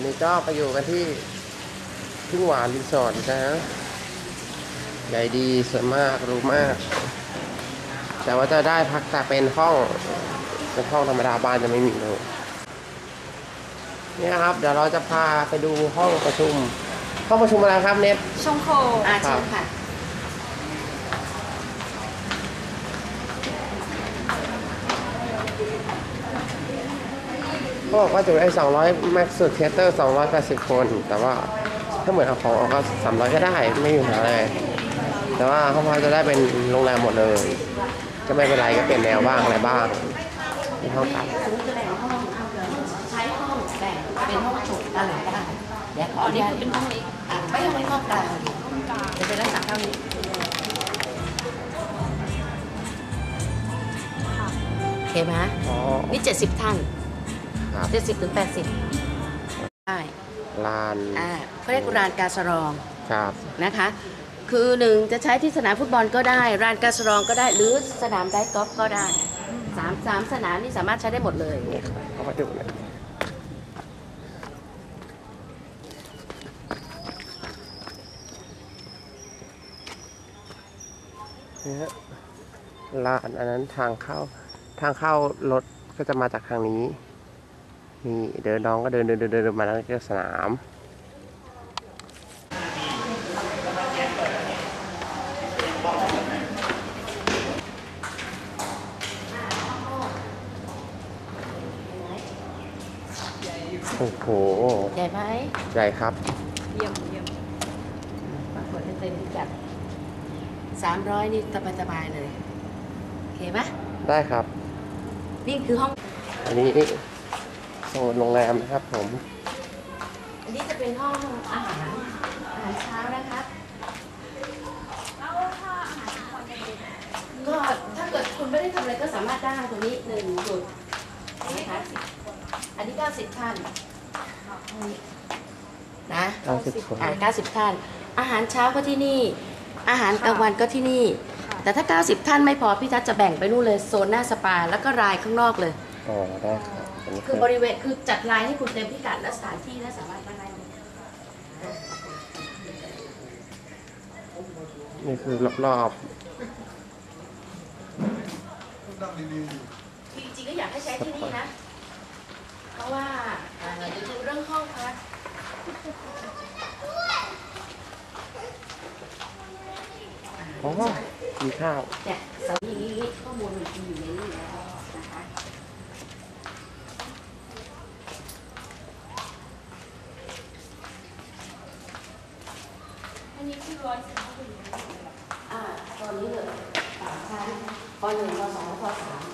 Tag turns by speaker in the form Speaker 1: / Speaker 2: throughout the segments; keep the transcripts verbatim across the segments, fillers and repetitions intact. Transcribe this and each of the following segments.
Speaker 1: นนี้ก็ไปอยู่กันที่ทุ่งหวานรีสอร์ทนะใหญ่ดีสวยมากรู้มากแต่ว่าจะได้พักแต่เป็นห้องเป็นห้องธรรมดาบ้านจะไม่มีเลยนี่ครับเดี๋ยวเราจะพาไปดูห้องประชุมห้องประชุมอะไรครับเน็ต
Speaker 2: ชงโคอาเชิญค่ะ
Speaker 1: เขาบอกว่าจุได้สองร้อยแม็กซ์สุดเทเตอร์สองร้อยแปดสิบคนแต่ว่าถ้าเหมือนเอาของออกก็สามร้อยก็ได้ไม่มีปัญหาเลยแต่ว่าห้องพักจะได้เป็นโรงแรมหมดเลยก็ไม่เป็นไรก็เปลี่ยนแนวบ้างอะไรบ้างในห้องพัก
Speaker 2: สมมติจะแบ่งห้องใช้ห้องแบ่งเป็นห้องโถงอะไรก็ได้เดี๋ยวขอนี่คือเป็นห้องนี้ไม่ห้องนี้ห้องกลางจะเป็นลักษณะเท่านี้โอเคไหมนี่เจ็ดสิบท่านเจ็ดสิบถึงแปดสิบได้
Speaker 1: ลาน
Speaker 2: อ่าเขาเรียกลานกาสรอง
Speaker 1: ครับ
Speaker 2: นะคะคือหนึ่งจะใช้ที่สนามฟุตบอลก็ได้ลานกาสรองก็ได้หรือสนามไดกอล์ฟก็ได้สามสามสนามนี่สามารถใช้ได้หมดเลย
Speaker 1: เอามาดูเลยนี่ฮะลานอันนั้นทางเข้าทางเข้ารถก็จะมาจากทางนี้นี่เดินน้องก็เดินเดินเดินเดินมาแล้วก็สนามโอ้โห
Speaker 2: ใหญ่ไหม
Speaker 1: ใหญ่ครับ
Speaker 2: เยี่ยมเยี่ยมปรากฏให้เต็มพิกัดสามร้อยนี่สบายสบายเลยโอเคไหม
Speaker 1: ได้ครับ
Speaker 2: นี่คือห้อง
Speaker 1: อันนี้โซนโรงแรมนะครับผม
Speaker 2: อันนี้จะเป็นห้องอาหารอาหารเช้านะคะก็ถ้าเกิดคุณไม่ได้ทำอะไรก็สามารถได้ตรงนี้หนึ่งจุดนะคะอันนี้เก้าสิบท่านนะ
Speaker 1: เก้าสิบคน
Speaker 2: อ่าเก้าสิบท่านอาหารเช้าก็ที่นี่อาหารกลางวันก็ที่นี่แต่ถ้าเก้าสิบท่านไม่พอพี่ทัศน์จะแบ่งไปนู่นเลยโซนหน้าสปาแล้วก็รายข้างนอกเลย
Speaker 1: อ๋อได้ครับ
Speaker 2: คือบริเวณคือจัดรายให้คุณเต็มพิกัดและสถานที่และสามารถได้
Speaker 1: นี่คือรอบ
Speaker 2: ๆจริงๆก็อยากให้ใช้ที่นี่นะเพราะว่าเดี๋ยวดูเรื่องห้องพัก
Speaker 1: อ๋อมีข้าว
Speaker 2: เนี่ยสำหรับนี้ข้อมูลมันอยู่ในนี้แล้วนะคะอันนี้คือร้อยสิบห้าคนอ่าตอนนี้เลยสามชั้นปหนึ่งปสองปสาม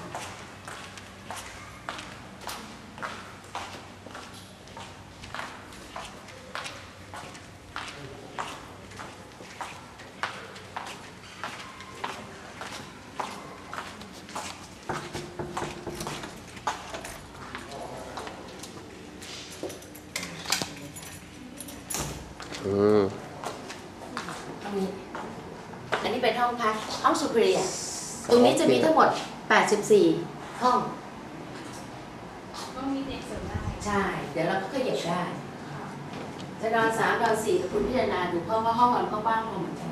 Speaker 1: อืม
Speaker 2: อันนี้อันนี้เป็นห้องพักห้องสุพรียตรงนี้จะมีทั้งหมดแปดสิบสี่ห้องต้องมีเด็กเสริมได้ใช่เดี๋ยวเราก็ขยับได้จะนอนสามนอนสี่กับคุณพิจารณาดูเพราะว่าห้องนอนก็บ้างเหมือนกัน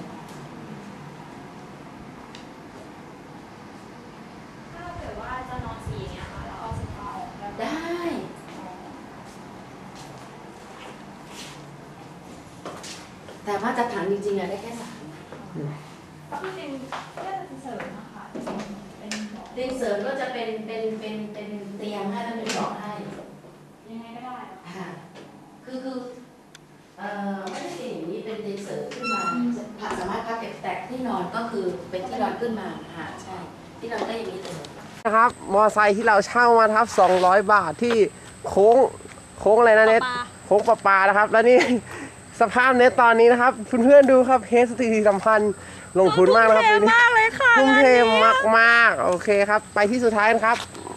Speaker 3: ถ้าเกิดว่าจะนอนสี่เนี่ยค่ะแล้วเอาโซฟาออก
Speaker 2: ได้แต่มาตรฐานจริงๆอะได้แค่สาม
Speaker 3: ที่จริงแค่เสริมนะคะเป็น
Speaker 2: เตียงเสริมก็จะเป็นเป็นเป็นเป็นเตียงให้แล้วเป็นเบาะให้
Speaker 3: ยังไงก็ได้
Speaker 2: ค่ะคือคือเอ่อไม่ได้เป็นอย่างนี้เป็นเตียงเสริมขึ้นมาสามารถพักแต่ที่นอนก็คือเป็นที่นอนขึ้นมาค่ะใช่ที่นอนก็อย่างนี้เลย
Speaker 1: นะครับมอไซค์ที่เราเช่ามาครับสองร้อยบาทที่โค้งโค้งอะไรนะเน็ตโค้งปะปานะครับแล้วนี่สภาพเน็ตตอนนี้นะครับเพื่อนๆดูครับเฮสตีสัมพันธ์ลงทุนมากนะครับ
Speaker 3: ทุ่มเทมากเลยค่ะ
Speaker 1: ทุ่มเทมากๆโอเคครับไปที่สุดท้ายครับ